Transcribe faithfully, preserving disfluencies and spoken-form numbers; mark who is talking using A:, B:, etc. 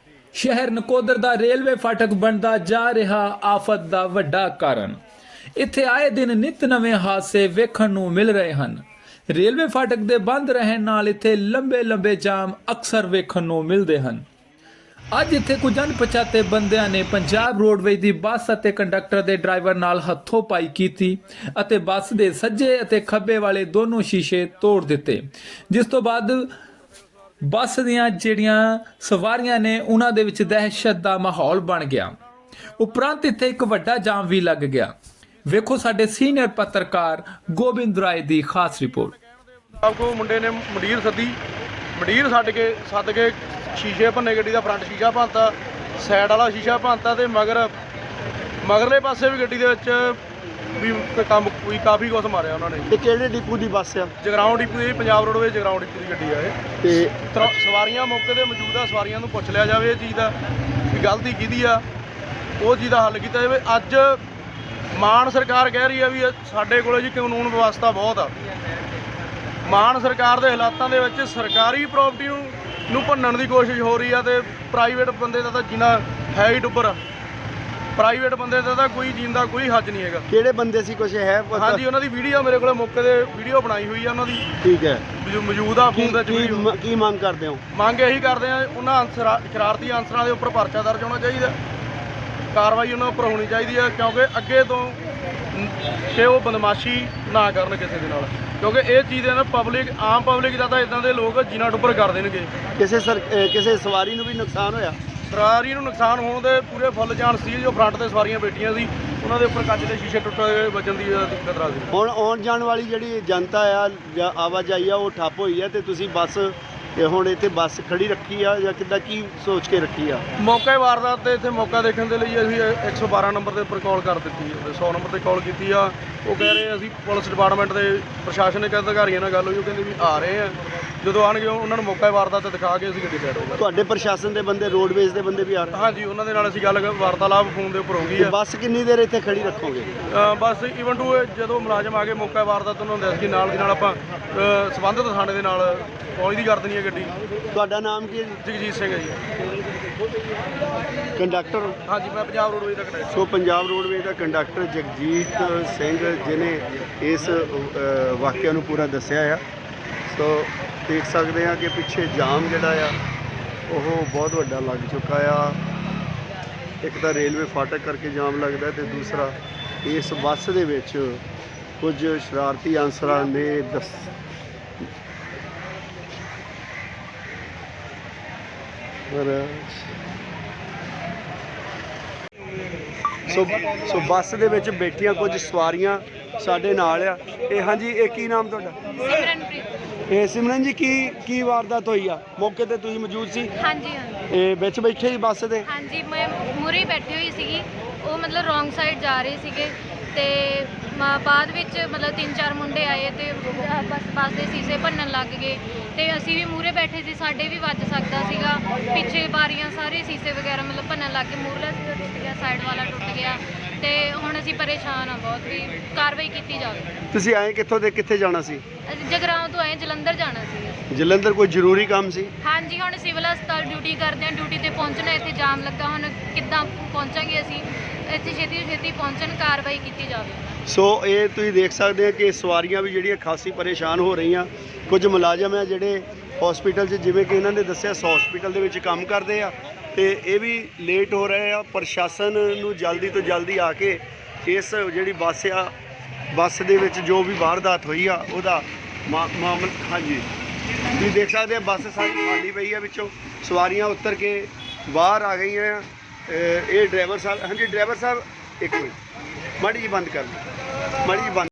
A: शहर नकोदर दा रेलवे फाटक बनदा जा रहा आफत दा वड्डा कारण। इत्थे आए दिन नित नवे हादसे वेखण नूं मिल रहे ਹਨ। रेलवे फाटक दे बंद रहण नाल इत्थे लंबे लंबे जाम अक्सर वेखण नूं मिलदे ਹਨ। ਅੱਜ ਇੱਥੇ ਕੁਝ ਅਣਪਛਾਤੇ ਬੰਦਿਆਂ ਨੇ ਪੰਜਾਬ ਰੋਡਵੇਜ਼ ਦੀ ਬੱਸ ਅਤੇ ਕੰਡਕਟਰ ਦੇ ਡਰਾਈਵਰ ਨਾਲ ਹੱਥੋਂ ਪਾਈ ਕੀਤੀ ਅਤੇ ਬੱਸ ਦੇ ਸੱਜੇ ਅਤੇ ਖੱਬੇ ਵਾਲੇ ਦੋਨੋਂ ਸ਼ੀਸ਼ੇ ਤੋੜ ਦਿੱਤੇ, ਜਿਸ ਤੋਂ ਬਾਅਦ ਬੱਸ ਦੀਆਂ ਜਿਹੜੀਆਂ ਸਵਾਰੀਆਂ ਨੇ ਉਹਨਾਂ ਦੇ ਵਿੱਚ ਦਹਿਸ਼ਤ ਦਾ ਮਾਹੌਲ ਬਣ ਗਿਆ। ਉਪਰੰਤ ਇੱਥੇ ਇੱਕ ਵੱਡਾ ਜਾਮ ਵੀ ਲੱਗ ਗਿਆ। ਵੇਖੋ ਸਾਡੇ ਸੀਨੀਅਰ ਪੱਤਰਕਾਰ ਗੋਬਿੰਦ ਰਾਏ ਦੀ ਖਾਸ ਰਿਪੋਰਟ।
B: ਆਪਕੋ ਮੁੰਡੇ ਨੇ ਮੰਡੀਰ ਸੱਦੀ, ਮੰਡੀਰ ਛੱਡ ਕੇ ਸੱਦ ਕੇ ਸ਼ੀਸ਼ੇ ਭੰਨੇ, ਗੱਡੀ ਦਾ ਫਰੰਟ ਸ਼ੀਸ਼ਾ ਭੰਨਤਾ, ਸਾਈਡ ਵਾਲਾ ਸ਼ੀਸ਼ਾ ਭੰਨਤਾ ਤੇ ਮਗਰ ਮਗਰਲੇ ਪਾਸੇ ਵੀ ਗੱਡੀ ਦੇ ਵਿੱਚ ਵੀ ਕੰਮ ਕੋਈ ਕਾਫੀ ਕੁਛ ਮਾਰਿਆ ਉਹਨਾਂ ਨੇ।
C: ਇਹ ਕਿਹੜੇ ਡਿਪੂ ਦੀ ਬੱਸ ਆ?
B: ਜਗਰਾਉਂ ਡਿਪੂ ਦੀ, ਪੰਜਾਬ ਰੋਡਵੇਜ਼ ਜਗਰਾਉਂ ਡਿਪੂ ਦੀ ਗੱਡੀ ਆ ਇਹ।
C: ਤੇ
B: ਤਰ- ਸਵਾਰੀਆਂ ਮੌਕੇ ਤੇ ਮੌਜੂਦ ਆ, ਸਵਾਰੀਆਂ ਨੂੰ ਪੁੱਛ ਲਿਆ ਜਾਵੇ ਇਹ ਚੀਜ਼ ਦਾ ਵੀ ਗਲਤੀ ਕਿਹਦੀ ਆ, ਉਹ ਚੀਜ਼ ਦਾ ਹੱਲ ਕੀਤਾ ਜਾਵੇ। ਅੱਜ ਮਾਨ ਸਰਕਾਰ ਕਹਿ ਰਹੀ ਆ ਵੀ ਸਾਡੇ ਕੋਲ ਜੀ ਕਾਨੂੰਨ ਵਿਵਸਥਾ ਬਹੁਤ ਆ। ਮਾਨ ਸਰਕਾਰ ਦੇ ਹਾਲਾਤਾਂ ਦੇ ਵਿੱਚ ਸਰਕਾਰੀ ਪ੍ਰਾਪਰਟੀ ਨੂੰ ਨੂੰ ਭੰਨਣ ਦੀ ਕੋਸ਼ਿਸ਼ ਹੋ ਰਹੀ ਆ ਤੇ ਪ੍ਰਾਈਵੇਟ ਬੰਦੇ ਦਾ ਤਾਂ ਜੀਣਾ ਹੈ ਹੀ ਡੁੱਬਰ। ਪ੍ਰਾਈਵੇਟ ਬੰਦੇ ਦਾ ਤਾਂ ਕੋਈ ਜੀਣ ਦਾ ਕੋਈ ਹੱਜ ਨਹੀਂ ਹੈਗਾ।
C: ਕਿਹੜੇ ਬੰਦੇ ਸੀ, ਕੁਛ ਹੈ ਪਤਾ?
B: ਹਾਂਜੀ, ਉਹਨਾਂ ਦੀ ਵੀਡੀਓ ਮੇਰੇ ਕੋਲ ਮੌਕੇ ਤੇ ਵੀਡੀਓ ਬਣਾਈ ਹੋਈ ਆ ਉਹਨਾਂ ਦੀ।
C: ਠੀਕ ਹੈ,
B: ਜੋ ਮੌਜੂਦ ਆ
C: ਕੀ
B: ਫੋਨ ਦੇ ਵਿੱਚ
C: ਕੀ
B: ਵੀਡੀਓ।
C: ਮ- ਕੀ ਮੰਗ ਕਰਦੇ ਹੋ?
B: ਮੰਗ ਇਹੀ ਕਰਦੇ ਆ, ਉਹਨਾਂ ਅਨਸਰਾਂ ਸ਼ਰਾਰਤੀ ਅਨਸਰਾਂ ਦੇ ਉੱਪਰ ਪਰਚਾ ਦਰਜ ਹੋਣਾ ਚਾਹੀਦਾ, ਕਾਰਵਾਈ ਉਹਨਾਂ ਉੱਪਰ ਹੋਣੀ ਚਾਹੀਦੀ ਹੈ, ਕਿਉਂਕਿ ਅੱਗੇ ਤੋਂ ਕਿ ਉਹ ਬਦਮਾਸ਼ੀ ਨਾ ਕਰਨ ਕਿਸੇ ਦੇ ਨਾਲ, ਕਿਉਂਕਿ ਇਹ ਚੀਜ਼ ਨਾ ਪਬਲਿਕ ਆਮ ਪਬਲਿਕ ਦਾ ਤਾਂ ਇਦਾਂ ਦੇ ਲੋਕ ਜੀਣਾ ਡੁੱਬਰ ਕਰ ਦੇਣਗੇ।
C: ਕਿਸੇ ਸਰ ਅਹ ਕਿਸੇ ਸਵਾਰੀ ਨੂੰ ਵੀ ਨੁਕਸਾਨ ਹੋਇਆ?
B: ਸਵਾਰੀ ਨੂੰ ਨੁਕਸਾਨ ਹੋਣ ਦੇ ਪੂਰੇ ਫੁੱਲ ਚਾਂਸ ਸੀ। ਜੋ ਫਰੰਟ ਤੇ ਸਵਾਰੀਆਂ ਬੈਠੀਆਂ ਸੀ ਉਹਨਾਂ ਦੇ ਉੱਪਰ ਕੱਚ ਦੇ ਸ਼ੀਸ਼ੇ ਟੁੱਟ ਕੇ ਵੱਜਣ ਦੀ ਖਤਰਾ ਸੀ।
C: ਹੁਣ ਆਉਣ ਜਾਣ ਵਾਲੀ ਜਿਹੜੀ ਜਨਤਾ ਆ ਜਾਂ ਆਵਾਜਾਈ ਆ ਉਹ ਠੱਪ ਹੋਈ ਆ ਤੇ ਤੁਸੀਂ ਬੱਸ ਇਹ ਹੁਣ ਇੱਥੇ ਬੱਸ ਖੜੀ ਰੱਖੀ ਆ ਜਾਂ ਕਿੱਦਾਂ, ਕੀ ਸੋਚ ਕੇ ਰੱਖੀ ਆ?
B: ਮੌਕੇ ਵਾਰਦਾਤ ਤੇ ਇੱਥੇ ਮੌਕਾ ਦੇਖਣ ਦੇ ਲਈ ਅਸੀਂ ਇੱਕ ਸੌ ਬਾਰਾਂ ਨੰਬਰ ਦੇ ਉੱਪਰ ਕਾਲ ਕਰ ਦਿੱਤੀ ਹੈ, ਸੌ ਨੰਬਰ ਤੇ ਕਾਲ ਕੀਤੀ ਆ। ਉਹ ਕਹਿ ਰਹੇ ਅਸੀਂ ਪੁਲਿਸ ਡਿਪਾਰਟਮੈਂਟ ਦੇ ਪ੍ਰਸ਼ਾਸਨਿਕ ਅਧਿਕਾਰੀਆਂ ਨਾਲ ਗੱਲ ਹੋਈ, ਉਹ ਕਹਿੰਦੇ ਵੀ ਆ ਰਹੇ ਆ, ਜਦੋਂ ਆਉਣਗੇ ਉਹਨਾਂ ਨੂੰ ਮੌਕਾ ਵਾਰਦਾਤ ਤੇ ਦਿਖਾ ਕੇ ਅਸੀਂ ਗੱਡੀ ਸਾਈਡ ਹੋਵਾਂਗੇ।
C: ਤੁਹਾਡੇ ਪ੍ਰਸ਼ਾਸਨ ਦੇ ਬੰਦੇ, ਰੋਡਵੇਜ਼ ਦੇ ਬੰਦੇ ਵੀ ਆ ਰਹੇ?
B: ਹਾਂਜੀ, ਉਹਨਾਂ ਦੇ ਨਾਲ ਅਸੀਂ ਗੱਲ ਵਾਰਤਾਲਾਪ ਫੋਨ ਦੇ ਉੱਪਰ ਹੋ ਗਈ
C: ਤੇ
B: ਹੈ।
C: ਬੱਸ ਕਿੰਨੀ ਦੇਰ ਇੱਥੇ ਖੜੀ ਰੱਖੋਗੇ?
B: ਅ, ਬਸ ਈਵਨ ਟੂ ਜਦੋਂ ਮੁਲਾਜ਼ਮ ਆ ਕੇ ਮੌਕਾ ਵਾਰਦਾਤ ਉਹਨਾਂ ਨੂੰ ਦੱਸ ਕੇ ਨਾਲ ਦੀ ਨਾਲ ਆਪਾਂ ਅ, ਸੰਬੰਧਿਤ ਥਾਣੇ ਦੇ ਨਾਲ ਪਹੁੰਚਦੀ ਕਰ ਦੇਣੀ ਹੈ ਗੱਡੀ।
C: ਤੁਹਾਡਾ ਨਾਮ ਕੀ ਹੈ ਜੀ?
B: ਜਗਜੀਤ ਸਿੰਘ ਹੈ ਜੀ।
C: ਕੰਡਕਟਰ?
B: ਹਾਂਜੀ, ਮੈਂ ਪੰਜਾਬ ਰੋਡਵੇਜ਼ ਦਾ ਕੰਡਕਟਰ।
C: ਸੋ ਪੰਜਾਬ ਰੋਡਵੇਜ਼ ਦਾ ਕੰਡਕਟਰ ਜਗਜੀਤ ਸਿੰਘ ਜਿਹਨੇ ਇਸ ਅ, ਵਾਕਿਆ ਨੂੰ ਪੂਰਾ ਦੱਸਿਆ ਆ। ਸੋ ਦੇਖ ਸਕਦੇ ਆ ਕਿ ਪਿੱਛੇ ਜਾਮ ਜਿਹੜਾ ਆ ਉਹ ਬਹੁਤ ਵੱਡਾ ਲੱਗ ਚੁੱਕਾ ਆ। ਇੱਕ ਤਾਂ ਰੇਲਵੇ ਫਾਟਕ ਕਰਕੇ ਜਾਮ ਲੱਗਦਾ ਤੇ ਦੂਸਰਾ ਇਸ ਬੱਸ ਦੇ ਵਿੱਚ ਕੁਝ ਸ਼ਰਾਰਤੀ ਅਨਸਰਾਂ ਨੇ ਦੱਸ ਪਰ ਸੋ ਸੋ ਬੱਸ ਦੇ ਵਿੱਚ ਬੈਠੀਆਂ ਕੁਝ ਸਵਾਰੀਆਂ ਸਾਡੇ ਨਾਲ ਆ। ਇਹ ਹਾਂਜੀ, ਇਹ ਕੀ ਨਾਮ ਤੁਹਾਡਾ?
D: ਸਿਮਰਨਪ੍ਰੀਤ।
C: ਇਹ ਸਿਮਰਨ ਜੀ, ਕੀ ਕੀ ਵਾਰਦਾਤ ਹੋਈ ਆ? ਮੌਕੇ ਤੇ ਤੁਸੀਂ ਮੌਜੂਦ ਸੀ?
D: ਹਾਂਜੀ ਹਾਂਜੀ
C: ਇਹ ਵਿੱਚ ਬੈਠੇ ਸੀ ਬੱਸ ਦੇ?
D: ਹਾਂਜੀ, ਮੈਂ ਮੂਹਰੇ ਹੀ ਬੈਠੀ ਹੋਈ ਸੀਗੀ। ਉਹ ਮਤਲਬ ਰੋਂਗ ਸਾਈਡ ਜਾ ਰਹੇ ਸੀਗੇ ਤੇ ਮ- ਬਾਅਦ ਵਿੱਚ ਮਤਲਬ ਤਿੰਨ ਚਾਰ ਮੁੰਡੇ ਆਏ ਤੇ ਬਸ ਬੱਸ ਦੇ ਸ਼ੀਸ਼ੇ ਭੰਨਣ ਲੱਗ ਗਏ ਤੇ ਅਸੀਂ ਵੀ ਮੂਹਰੇ ਬੈਠੇ ਸੀ, ਸਾਡੇ ਵੀ ਵੱਜ ਸਕਦਾ ਸੀਗਾ। ਪਿੱਛੇ ਬਾਰੀਆਂ ਸਾਰੇ ਸ਼ੀਸ਼ੇ ਵਗੈਰਾ ਮਤਲਬ ਭੰਨਣ ਲੱਗ ਗਏ, ਮੂਹਰਲਾ ਸ਼ੀਸ਼ਾ ਟੁੱਟ ਗਿਆ, ਸਾਈਡ ਵਾਲਾ ਟੁੱਟ ਗਿਆ ਤੇ ਹੁਣ ਅਸੀਂ ਪਰੇਸ਼ਾਨ ਆ ਬਹੁਤ, ਵੀ ਕਾਰਵਾਈ ਕੀਤੀ ਜਾਵੇ।
C: ਤੁਸੀਂ ਆਏ ਕਿੱਥੋਂ ਤੇ ਕਿੱਥੇ ਜਾਣਾ ਸੀ?
D: ਅਸੀਂ ਜਗਰਾਉਂ ਤੋਂ ਆਏ, ਜਲੰਧਰ ਜਾਣਾ ਸੀ।
C: ਜਲੰਧਰ ਕੋਈ ਜ਼ਰੂਰੀ ਕੰਮ ਸੀ?
D: ਹਾਂਜੀ, ਹੁਣ ਸਿਵਲ ਹਸਪਤਾਲ ਡਿਊਟੀ ਕਰਦੇ ਹਾਂ, ਡਿਊਟੀ ਤੇ ਪਹੁੰਚਣਾ। ਇੱਥੇ ਜਾਮ ਲੱਗਾ, ਹੁਣ ਕਿੱਦਾਂ ਪਹੁੰਚਾਂਗੇ ਅਸੀਂ? ਇੱਥੇ ਛੇਤੀ ਤੋਂ ਛੇਤੀ ਪਹੁੰਚਣ, ਕਾਰਵਾਈ ਕੀਤੀ ਜਾਵੇ।
C: ਸੋ ਇਹ ਤੁਸੀਂ ਦੇਖ ਸਕਦੇ ਆ ਕਿ ਸਵਾਰੀਆਂ ਵੀ ਜਿਹੜੀਆਂ ਖਾਸੀ ਪਰੇਸ਼ਾਨ ਹੋ ਰਹੀਆਂ। ਕੁਝ ਮੁਲਾਜ਼ਮ ਆ ਜਿਹੜੇ ਹਸਪੀਟਲ 'ਚ, ਜਿਵੇਂ ਕਿ ਇਹਨਾਂ ਨੇ ਦੱਸਿਆ, ਹਸਪੀਟਲ ਦੇ ਵਿੱਚ ਕੰਮ ਕਰਦੇ ਆ ਤੇ ਇਹ ਵੀ ਲੇਟ ਹੋ ਰਹੇ ਆ। ਪ੍ਰਸ਼ਾਸਨ ਨੂੰ ਜਲਦੀ ਤੋਂ ਜਲਦੀ ਆ ਕੇ ਇਸ ਜਿਹੜੀ ਬੱਸ ਆ, ਬੱਸ ਦੇ ਵਿੱਚ ਜੋ ਵੀ ਵਾਰਦਾਤ ਹੋਈ ਆ ਉਹਦਾ ਮਾ- ਮਾਮਲਾ, ਹਾਂਜੀ ਤੁਸੀਂ ਦੇਖ ਸਕਦੇ ਆ ਬੱਸ ਸਾਰੀ ਖਾਲੀ ਪਈ ਆ, ਵਿੱਚੋਂ ਸਵਾਰੀਆਂ ਉਤਰ ਕੇ ਬਾਹਰ ਆ ਗਈਆਂ ਆ। ਇਹ ਡਰਾਈਵਰ ਸਾਹਿਬ, ਹਾਂਜੀ ਡਰਾਈਵਰ ਸਾਹਿਬ ਇੱਕ ਮਿੰਟ, ਮਾੜੀ ਜੀ ਬੰਦ ਕਰ ਦਿਓ, ਮਾੜੀ ਜੀ ਬੰਦ